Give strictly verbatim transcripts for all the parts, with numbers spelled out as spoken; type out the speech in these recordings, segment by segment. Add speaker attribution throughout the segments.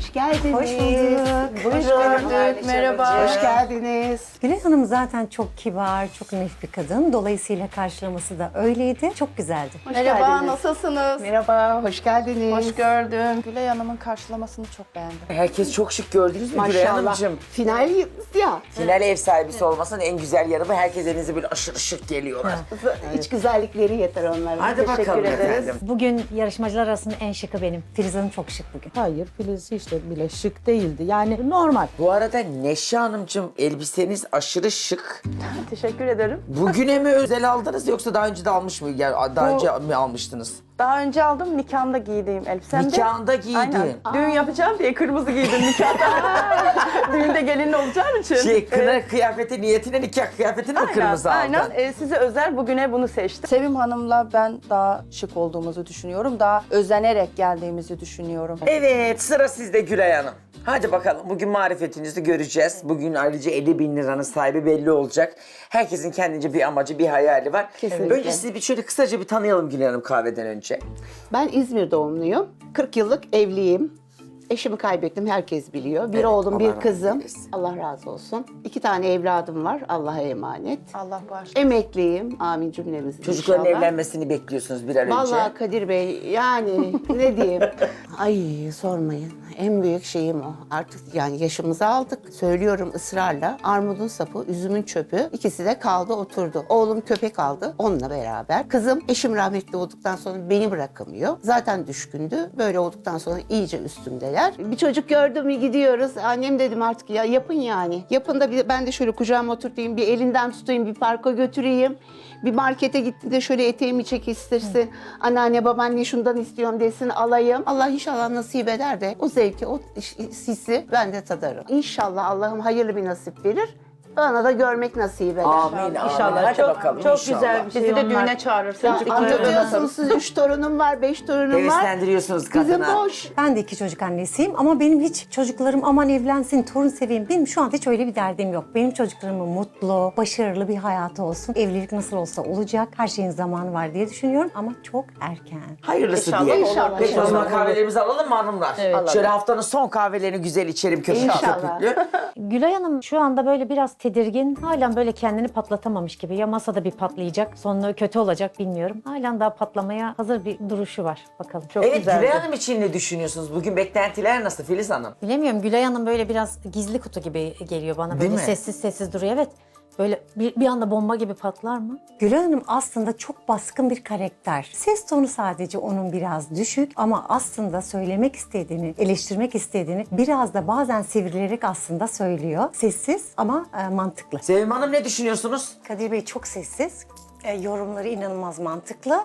Speaker 1: Hoş geldiniz.
Speaker 2: Hoş bulduk.
Speaker 1: Hoş
Speaker 2: gördük.
Speaker 1: Merhaba. Hoş geldiniz.
Speaker 2: Gülay Hanım zaten çok kibar, çok naif bir kadın. Dolayısıyla karşılaması da öyleydi. Çok güzeldi.
Speaker 1: Hoş
Speaker 3: Merhaba,
Speaker 1: geldiniz.
Speaker 3: nasılsınız?
Speaker 1: Merhaba, hoş geldiniz.
Speaker 3: Hoş gördüm. Gülay Hanım'ın karşılamasını çok beğendim.
Speaker 4: Herkes çok şık gördünüz mü Gülay
Speaker 1: Maşallah.
Speaker 4: Hanımcığım?
Speaker 1: Final ya.
Speaker 4: Final ev sahibisi olmasının en güzel yanı bu. Herkes elinize böyle aşırı şık geliyorlar.
Speaker 1: İç güzellikleri yeter onlara.
Speaker 4: Hadi
Speaker 1: Teşekkür
Speaker 4: bakalım
Speaker 1: ederiz.
Speaker 4: efendim.
Speaker 2: Bugün yarışmacılar arasında en şıkı benim. Filiz Hanım çok şık bugün.
Speaker 5: Hayır, Filiz işte bile şık değildi. Yani normal.
Speaker 4: Bu arada Neşe Hanımcığım elbiseniz aşırı şık.
Speaker 3: Teşekkür ederim.
Speaker 4: Bugüne mi özel aldınız yoksa daha önce de almış mı? Yani daha
Speaker 3: Bu-
Speaker 4: önce mi almıştınız?
Speaker 3: Daha önce aldım, nikahımda giydiğim elbisemde.
Speaker 4: Nikahında giydin.
Speaker 3: Aynen. Düğün yapacağım diye kırmızı giydim nikahda. Düğünde gelin olacağım için.
Speaker 4: Şey, kına
Speaker 3: Evet.
Speaker 4: kıyafeti niyetine nikah kıyafetini mi
Speaker 3: Aynen,
Speaker 4: kırmızı aldın?
Speaker 3: aynen. Ee, size özel bugüne bunu seçtim. Sevim Hanım'la ben daha şık olduğumuzu düşünüyorum. Daha özenerek geldiğimizi düşünüyorum.
Speaker 4: Evet, sıra sizde Gülay Hanım. Hadi bakalım, bugün marifetinizi göreceğiz. Bugün ayrıca elli bin liranın sahibi belli olacak. Herkesin kendince bir amacı, bir hayali var.
Speaker 1: Kesinlikle.
Speaker 4: Önce sizi bir şöyle kısaca bir tanıyalım Gülay Hanım kahveden önce.
Speaker 1: Ben İzmir doğumluyum. kırk yıllık evliyim. Eşimi kaybettim, herkes biliyor. Bir
Speaker 4: Evet,
Speaker 1: oğlum,
Speaker 4: Allah
Speaker 1: bir
Speaker 4: rahmet
Speaker 1: kızım.
Speaker 4: eylesin.
Speaker 1: Allah razı olsun. İki tane evladım var, Allah'a emanet.
Speaker 3: Allah bağışlasın.
Speaker 1: Emekliyim, amin cümlemiz
Speaker 4: Çocukların
Speaker 1: inşallah.
Speaker 4: evlenmesini bekliyorsunuz bir an önce.
Speaker 1: Vallahi Kadir Bey, yani ne diyeyim? Ay sormayın. En büyük şeyim o. Artık yani yaşımızı aldık. Söylüyorum ısrarla. Armudun sapı, üzümün çöpü. İkisi de kaldı oturdu. Oğlum köpek aldı onunla beraber. Kızım eşim rahmetli olduktan sonra beni bırakamıyor. Zaten düşkündü. Böyle olduktan sonra iyice üstümdeler. Bir çocuk gördüm mü gidiyoruz. Annem dedim artık ya yapın yani. Yapın da bir, ben de şöyle kucağıma oturtayım. Bir elinden tutayım, bir parka götüreyim. Bir markete gitti de şöyle eteğimi çekiştirsin. Anneanne babaanne şundan istiyorum desin alayım. Allah inşallah nasip eder de o zevki, o hissi ben de tadarım. İnşallah Allah'ım hayırlı bir nasip verir. Bana da görmek nasip eder.
Speaker 4: Amin, amin. Hadi
Speaker 5: çok,
Speaker 4: bakalım
Speaker 5: çok
Speaker 4: inşallah.
Speaker 5: güzel bir şey.
Speaker 3: Bizi de
Speaker 5: onlar.
Speaker 3: düğüne çağırırsınız.
Speaker 1: Ya, anlatıyorsunuz siz üç torunum var, beş torunum var.
Speaker 4: Heveslendiriyorsunuz
Speaker 1: Bizim
Speaker 4: kadına.
Speaker 1: boş.
Speaker 2: Ben de iki çocuk annesiyim ama benim hiç çocuklarım aman evlensin, torun seveyim. Benim şu anda hiç öyle bir derdim yok. Benim çocuklarımın mutlu, başarılı bir hayatı olsun. Evlilik nasıl olsa olacak. Her şeyin zamanı var diye düşünüyorum ama çok erken.
Speaker 4: Hayırlısı
Speaker 3: İnşallah
Speaker 4: diye.
Speaker 1: olur.
Speaker 4: Peki o zaman
Speaker 1: İnşallah.
Speaker 4: kahvelerimizi alalım mı hanımlar? Şöyle haftanın son kahvelerini güzel içelim köpüklü
Speaker 1: İnşallah.
Speaker 4: köpüklü.
Speaker 2: Gülay Hanım şu anda böyle biraz tedirgin. Halen böyle kendini patlatamamış gibi. Ya masada bir patlayacak, sonu kötü olacak bilmiyorum. Halen daha patlamaya hazır bir duruşu var. Bakalım. Çok
Speaker 4: Evet
Speaker 2: güzeldi.
Speaker 4: Gülay Hanım için ne düşünüyorsunuz? Bugün beklentiler nasıl Filiz Hanım?
Speaker 2: Bilemiyorum, Gülay Hanım böyle biraz gizli kutu gibi geliyor bana.
Speaker 4: Değil
Speaker 2: Böyle
Speaker 4: mi?
Speaker 2: sessiz sessiz duruyor. Evet. Böyle bir, bir anda bomba gibi patlar mı? Gülay Hanım aslında çok baskın bir karakter. Ses tonu sadece onun biraz düşük ama aslında söylemek istediğini, eleştirmek istediğini biraz da bazen sivrilerek aslında söylüyor. Sessiz ama e, mantıklı.
Speaker 4: Sevim Hanım ne düşünüyorsunuz?
Speaker 2: Kadir Bey çok sessiz. E, yorumları inanılmaz mantıklı.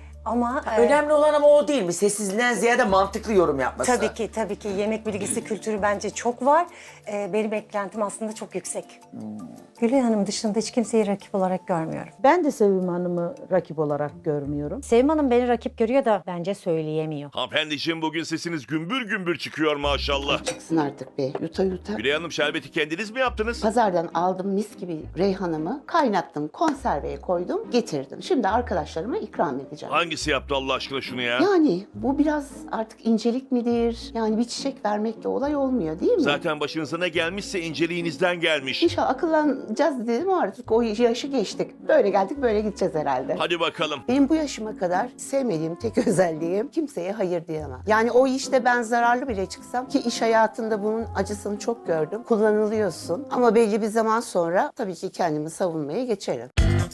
Speaker 2: Ama e,
Speaker 4: Önemli olan ama o değil mi? Sessizliğinden ziyade mantıklı yorum yapması.
Speaker 2: tabii ki tabii ki yemek bilgisi kültürü bence çok var. E, benim beklentim aslında çok yüksek. Gülay Hanım dışında hiç kimseyi rakip olarak görmüyorum.
Speaker 5: Ben de Sevim Hanım'ı rakip olarak görmüyorum.
Speaker 2: Sevim Hanım beni rakip görüyor da bence söyleyemiyor.
Speaker 6: Hanımefendiciğim bugün sesiniz gümbür gümbür çıkıyor maşallah.
Speaker 1: Çıksın artık be, yuta yuta.
Speaker 6: Gülay Hanım şerbeti kendiniz mi yaptınız?
Speaker 1: Pazardan aldım mis gibi reyhanımı, kaynattım, konserveye koydum, getirdim. Şimdi arkadaşlarıma ikram edeceğim.
Speaker 6: Hangisi yaptı Allah aşkına şunu ya?
Speaker 1: Yani bu biraz artık incelik midir? Yani bir çiçek vermekle olay olmuyor değil mi?
Speaker 6: Zaten başınıza ne gelmişse inceliğinizden gelmiş.
Speaker 1: İnşallah akıllanacağız dedim ama artık o yaşı geçtik. Böyle geldik böyle gideceğiz herhalde.
Speaker 6: Hadi bakalım.
Speaker 1: Benim bu yaşıma kadar sevmediğim tek özelliğim kimseye hayır diyemem. Yani o işte ben zararlı bile çıksam ki iş hayatında bunun acısını çok gördüm. Kullanılıyorsun ama belli bir zaman sonra tabii ki kendimi savunmaya geçerim.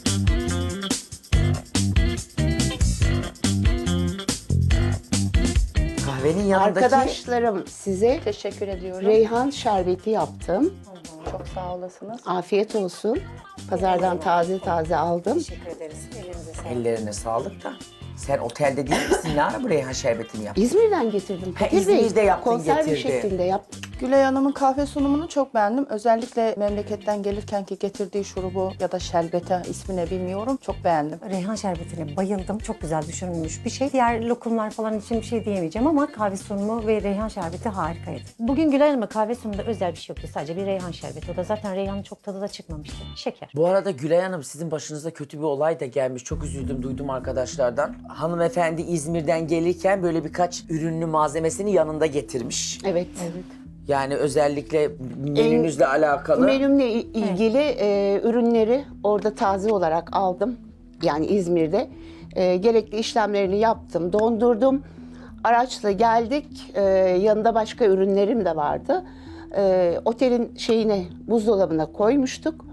Speaker 4: Kahvenin yanındaki...
Speaker 1: Arkadaşlarım size
Speaker 3: Teşekkür ediyorum.
Speaker 1: reyhan şerbeti yaptım.
Speaker 3: Çok sağ olasınız.
Speaker 1: Afiyet olsun. Pazardan taze taze aldım.
Speaker 2: Teşekkür ederiz. Elinize sağlık.
Speaker 4: Ellerine sağlık da. Sen otelde değil misin? Ne ara bu reyhan şerbetini yaptın?
Speaker 1: İzmir'den getirdim.
Speaker 4: Ha,
Speaker 1: Kadir Bey,
Speaker 4: İzmir'de yaptın,
Speaker 1: konserve
Speaker 4: getirdin.
Speaker 1: şeklinde yaptık,
Speaker 3: Gülay Hanım'ın kahve sunumunu çok beğendim. Özellikle memleketten gelirken ki getirdiği şurubu ya da şerbeti ismini bilmiyorum. Çok beğendim.
Speaker 2: Reyhan şerbetine bayıldım. Çok güzel düşünülmüş bir şey. Diğer lokumlar falan için bir şey diyemeyeceğim ama kahve sunumu ve reyhan şerbeti harikaydı. Bugün Gülay Hanım'a kahve sunumunda özel bir şey yoktu. Sadece bir reyhan şerbeti. O da zaten reyhanın çok tadı da çıkmamıştı. Şeker.
Speaker 4: Bu arada Gülay Hanım sizin başınıza kötü bir olay da gelmiş. Çok üzüldüm, duydum arkadaşlardan. Hanımefendi İzmir'den gelirken böyle birkaç ürünlü malzemesini yanında getirmiş.
Speaker 1: Evet. evet.
Speaker 4: Yani özellikle menünüzle alakalı.
Speaker 1: Menümle i- ilgili e, ürünleri orada taze olarak aldım. Yani İzmir'de. E, gerekli işlemlerini yaptım, dondurdum. Araçla geldik. E, yanında başka ürünlerim de vardı. E, otelin şeyine, buzdolabına koymuştuk.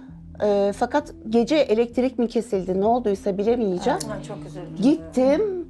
Speaker 1: E, fakat gece elektrik mi kesildi, ne olduysa bilemeyeceğim.
Speaker 2: Çok üzüldüm.
Speaker 1: Gittim,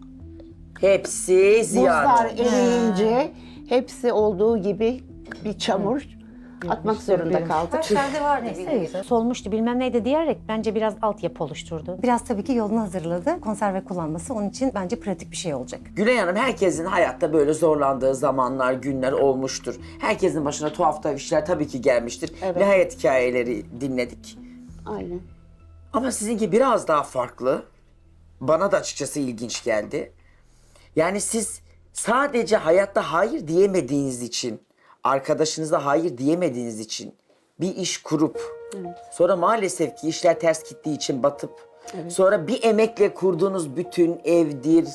Speaker 4: Hepsi ziyan.
Speaker 1: buzlar eriyince hepsi olduğu gibi bir çamur atmak zorunda kaldık.
Speaker 2: Şerde vardı. Neyse, solmuştu bilmem neydi diyerek bence biraz altyapı oluşturdu. Biraz tabii ki yolunu hazırladı. Konserve kullanması onun için bence pratik bir şey olacak.
Speaker 4: Gülay Hanım, herkesin hayatta böyle zorlandığı zamanlar, günler olmuştur. Herkesin başına tuhaf tuhaf işler tabii ki gelmiştir.
Speaker 1: Evet.
Speaker 4: Ve hayat hikayeleri dinledik.
Speaker 1: Aynen.
Speaker 4: Ama sizinki biraz daha farklı. Bana da açıkçası ilginç geldi. Yani siz sadece hayatta hayır diyemediğiniz için, arkadaşınıza hayır diyemediğiniz için bir iş kurup, sonra maalesef ki işler ters gittiği için batıp, sonra bir emekle kurduğunuz bütün evdir,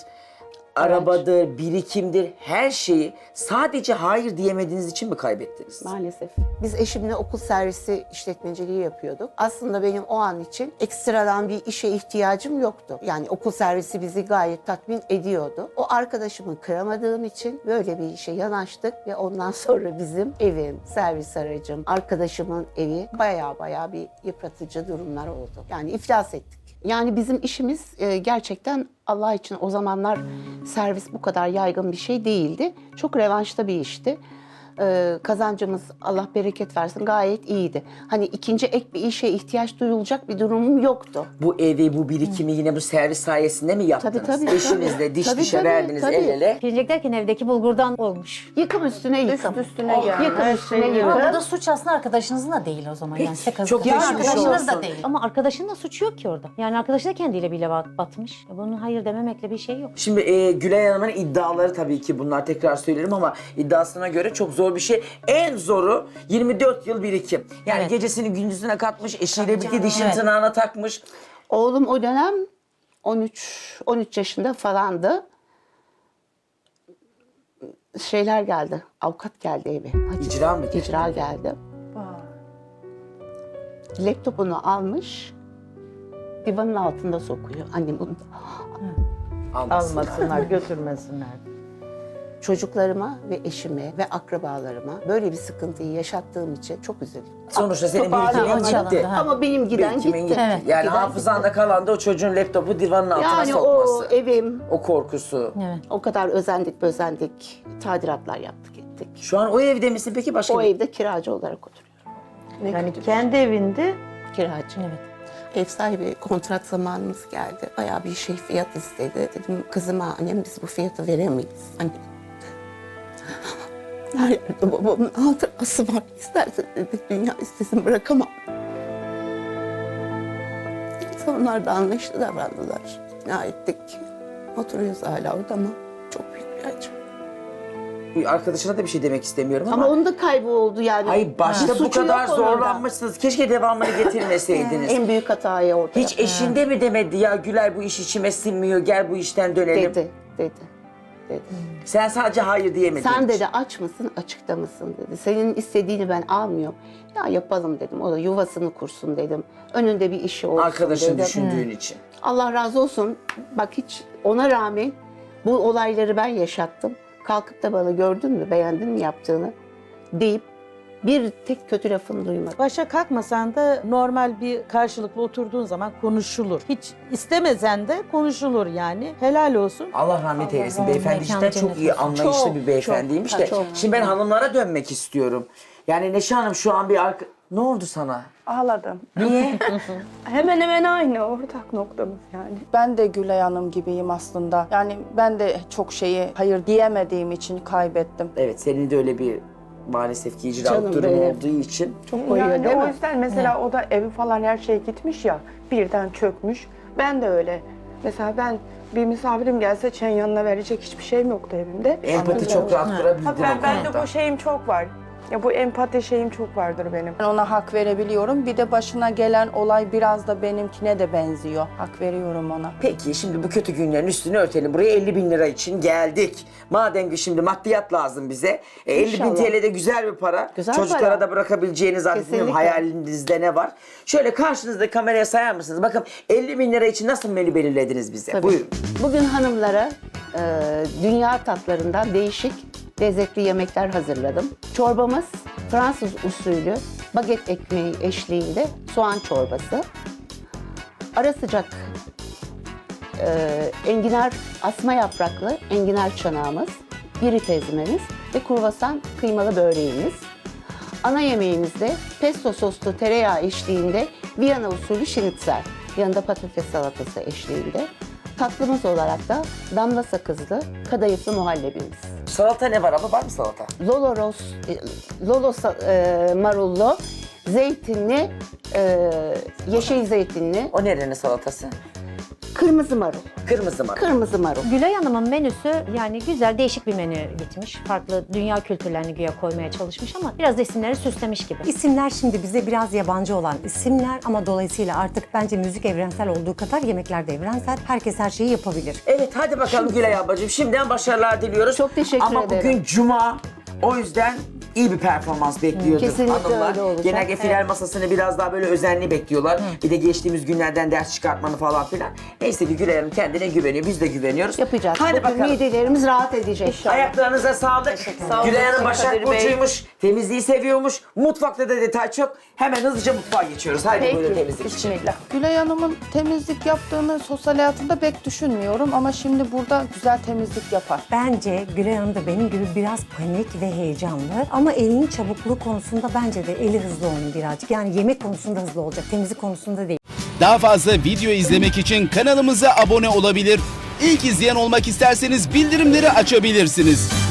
Speaker 4: arabadır, birikimdir, her şeyi sadece hayır diyemediğiniz için mi kaybettiniz?
Speaker 1: Maalesef. Biz eşimle okul servisi işletmeciliği yapıyorduk. Aslında benim o an için ekstradan bir işe ihtiyacım yoktu. Yani okul servisi bizi gayet tatmin ediyordu. O arkadaşımı kıramadığım için böyle bir işe yanaştık ve ondan sonra bizim evim, servis aracım, arkadaşımın evi baya baya bir yıpratıcı durumlar oldu. Yani iflas ettik. Yani bizim işimiz e, gerçekten Allah için o zamanlar servis bu kadar yaygın bir şey değildi. Çok revanşta bir işti. E, kazancımız Allah bereket versin gayet iyiydi. Hani ikinci ek bir işe ihtiyaç duyulacak bir durumum yoktu.
Speaker 4: Bu evi, bu birikimi yine bu servis sayesinde mi yaptınız?
Speaker 1: Tabii, tabii,
Speaker 4: Eşinizle
Speaker 1: tabii.
Speaker 4: diş
Speaker 1: Tabii,
Speaker 4: dişe
Speaker 1: tabii,
Speaker 4: verdiniz
Speaker 1: tabii.
Speaker 4: el ele.
Speaker 2: Pirinçek derken evdeki bulgurdan olmuş.
Speaker 1: Yıkım üstüne yıkım.
Speaker 3: Üst üstüne yani.
Speaker 1: Yıkım
Speaker 3: Her
Speaker 1: üstüne
Speaker 3: şey-
Speaker 1: yıkım.
Speaker 7: Ama burada suç aslında arkadaşınızın da değil o zaman. Yani size kazık.
Speaker 4: Çok
Speaker 7: Yani
Speaker 4: geçmiş
Speaker 7: arkadaşınız
Speaker 4: olsun.
Speaker 7: da değil.
Speaker 2: Ama arkadaşının da suçu yok ki orada. Yani arkadaşı da kendiyle bile bat- batmış. E Bunun hayır dememekle bir şey yok.
Speaker 4: Şimdi e, Gülay Hanım'ın iddiaları tabii ki bunlar, tekrar söylerim ama iddiasına göre çok zor bir şey. En zoru yirmi dört yıl birikim. Yani
Speaker 7: Evet.
Speaker 4: gecesini gündüzüne katmış, eşiyle birlikte dişin
Speaker 7: Evet.
Speaker 4: tırnağına takmış.
Speaker 1: Oğlum o dönem on üç on üç yaşında falandı. Şeyler geldi. Avukat geldi eve. Hadi.
Speaker 4: İcra mı geldi?
Speaker 1: İcra geldi. Laptopunu almış. Divanın altında sokuyor. Annem bunu
Speaker 4: Almasın.
Speaker 5: Almasınlar, götürmesinler.
Speaker 1: çocuklarıma ve eşime ve akrabalarıma böyle bir sıkıntıyı yaşattığım için çok üzüldüm.
Speaker 4: Sonuçta senin
Speaker 1: Toparlayamadım.
Speaker 4: birikimin gitti.
Speaker 7: Ha.
Speaker 1: Ama benim giden
Speaker 4: Birikimin
Speaker 1: gitti.
Speaker 4: gitti.
Speaker 7: Evet.
Speaker 4: Yani
Speaker 1: Giden
Speaker 4: hafızanda kalan da o çocuğun laptopu divanın altına
Speaker 1: Yani o
Speaker 4: sokması.
Speaker 1: evim,
Speaker 4: O korkusu.
Speaker 7: Evet.
Speaker 1: o kadar özendik özendik, tadilatlar yaptık ettik.
Speaker 4: Şu an o evde misin peki, başka
Speaker 1: O
Speaker 4: bir...
Speaker 1: evde kiracı olarak oturuyorum.
Speaker 5: Yani kendi evinde
Speaker 1: Kiracı.
Speaker 7: Evet.
Speaker 1: Ev sahibi kontrat zamanımız geldi. Bayağı bir şey fiyat istedi. Dedim kızıma annem biz bu fiyatı veremeyiz. Annem. Her yerde babamın hatırası var. İsterse dedi dünya istesin bırakamam. Neyse onlar da anlayışlı davrandılar. İkna ettik. Oturuyoruz hala orada ama çok büyük bir acı.
Speaker 4: Bir arkadaşına da bir şey demek istemiyorum ama...
Speaker 1: Ama onun da kaybı oldu yani.
Speaker 4: Hayır, başta
Speaker 1: Bir
Speaker 4: bu
Speaker 1: suçu
Speaker 4: kadar
Speaker 1: yok onun da.
Speaker 4: zorlanmışsınız. Keşke devamını getirmeseydiniz.
Speaker 1: En büyük hatayı orada
Speaker 4: Hiç
Speaker 1: yaptım.
Speaker 4: eşinde mi demedi ya Gülay bu iş içime sinmiyor, gel bu işten dönelim.
Speaker 1: Dedi, dedi, dedi.
Speaker 4: Sen sadece hayır diyemedin.
Speaker 1: Sen
Speaker 4: hiç.
Speaker 1: dedi aç mısın, açıkta mısın dedi. Senin istediğini ben almıyorum. Ya yapalım dedim. O da yuvasını kursun dedim. Önünde bir işi olsun
Speaker 4: Arkadaşın
Speaker 1: dedim.
Speaker 4: düşündüğün için.
Speaker 1: Allah razı olsun. Bak hiç ona rağmen bu olayları ben yaşattım. Kalkıp da bana gördün mü, beğendin mi yaptığını deyip bir tek kötü lafını duymadım.
Speaker 5: başa kalkmasan da normal bir karşılıklı oturduğun zaman konuşulur. Hiç istemesen de konuşulur yani. Helal olsun.
Speaker 4: Allah rahmet eylesin.
Speaker 7: Allah
Speaker 4: Beyefendi
Speaker 7: mekanı
Speaker 4: cidden çok
Speaker 7: cennet
Speaker 4: iyi
Speaker 7: olsun.
Speaker 4: anlayışlı
Speaker 1: Çok,
Speaker 4: bir beyefendiymiş
Speaker 1: çok,
Speaker 4: de.
Speaker 1: çok.
Speaker 4: Şimdi ben hanımlara dönmek istiyorum. Yani Neşe Hanım şu an bir arka... Ne oldu sana?
Speaker 3: Ağladım.
Speaker 4: Niye?
Speaker 3: Hemen hemen aynı ortak noktamız yani. Ben de Gülay Hanım gibiyim aslında. Yani ben de çok şeyi hayır diyemediğim için kaybettim.
Speaker 4: Evet, senin de öyle bir maalesef ki icralık
Speaker 1: Canım
Speaker 4: durum
Speaker 1: benim.
Speaker 4: olduğu için.
Speaker 1: Çok koyuyor
Speaker 3: Yani
Speaker 1: değil
Speaker 3: o
Speaker 1: mi?
Speaker 3: yüzden mesela o da evi falan her şey gitmiş ya, birden çökmüş. Ben de öyle. Mesela ben bir misafirim gelse çen yanına verecek hiçbir şeyim yoktu evimde.
Speaker 4: Empati çok rahat kurabildin
Speaker 3: Ha,
Speaker 4: o
Speaker 3: ben, ben de
Speaker 4: konuda.
Speaker 3: bu şeyim çok var. Ya bu empati şeyim çok vardır benim. Ben ona hak verebiliyorum. Bir de başına gelen olay biraz da benimkine de benziyor. Hak veriyorum ona.
Speaker 4: Peki şimdi bu kötü günlerin üstünü örtelim. Buraya elli bin lira için geldik. Madem ki şimdi maddiyat lazım bize. E, elli bin
Speaker 1: İnşallah.
Speaker 4: T L de güzel bir para.
Speaker 1: Güzel
Speaker 4: Çocuklara
Speaker 1: para.
Speaker 4: da bırakabileceğiniz zannediyorum.
Speaker 1: Kesinlikle.
Speaker 4: Hayalinizde ne var? Şöyle karşınızda kameraya sayar mısınız? Bakın elli bin lira için nasıl menü belirlediniz bize?
Speaker 1: Tabii.
Speaker 4: Buyurun.
Speaker 1: Bugün hanımlara e, dünya tatlarından değişik lezzetli yemekler hazırladım. Çorbamız Fransız usulü baget ekmeği eşliğinde soğan çorbası. Ara sıcak e, enginar asma yapraklı enginar çanağımız, biri ezmemiz ve kruvasan kıymalı böreğimiz. Ana yemeğimizde pesto soslu tereyağı eşliğinde Viyana usulü şinitzel, yanında patates salatası eşliğinde. Tatlımız olarak da damla sakızlı kadayıflı muhallebimiz.
Speaker 4: Salata ne var ama var mı salata?
Speaker 1: Lolo ros, e, lolo sa- e, marullu, zeytinli, e, yeşil zeytinli,
Speaker 4: O nerenin salatası?
Speaker 1: kırmızı marul.
Speaker 4: Kırmızı mı?
Speaker 1: Kırmızı marul.
Speaker 8: Gülay Hanım'ın menüsü yani güzel, değişik bir menü gitmiş. Farklı dünya kültürlerini güya koymaya çalışmış ama biraz da isimleri süslemiş gibi.
Speaker 2: İsimler şimdi bize biraz yabancı olan isimler ama dolayısıyla artık bence müzik evrensel olduğu kadar yemekler de evrensel. Herkes her şeyi yapabilir.
Speaker 4: Evet hadi bakalım Gülay ablacığım. Şimdiden başarılar diliyoruz.
Speaker 1: Çok teşekkür
Speaker 4: Ama
Speaker 1: ederim.
Speaker 4: bugün cuma. O yüzden iyi bir performans bekliyordur
Speaker 1: Kesinlikle
Speaker 4: hanımlar.
Speaker 1: öyle olacak.
Speaker 4: Genelde final masasını biraz daha böyle özenli bekliyorlar. Bir de geçtiğimiz günlerden ders çıkartmanı falan filan. Neyse ki Gülay Hanım kendine güveniyor. Biz de güveniyoruz.
Speaker 1: Yapacağız.
Speaker 4: Hadi
Speaker 1: Bugün
Speaker 4: bakalım.
Speaker 1: midelerimiz rahat edecek.
Speaker 4: Ayaklarınıza sağlık.
Speaker 3: Sağ
Speaker 4: Gülay
Speaker 3: olun
Speaker 4: Hanım Başak
Speaker 3: Kadir Bey.
Speaker 4: Burcu'ymuş. Temizliği seviyormuş. Mutfakta da detay çok. Hemen hızlıca mutfağa geçiyoruz. Haydi buyurun temizlik için.
Speaker 3: Bismillah. Gülay Hanım'ın temizlik yaptığını sosyal hayatında pek düşünmüyorum ama şimdi burada güzel temizlik yapar.
Speaker 2: Bence Gülay Hanım da benim gibi biraz panik ve heyecanlı. Ama elinin çabukluğu konusunda bence de eli hızlı onun birazcık. Yani yemek konusunda hızlı olacak, temizlik konusunda değil.
Speaker 9: Daha fazla video izlemek için kanalımıza abone olabilir. İlk izleyen olmak isterseniz bildirimleri açabilirsiniz.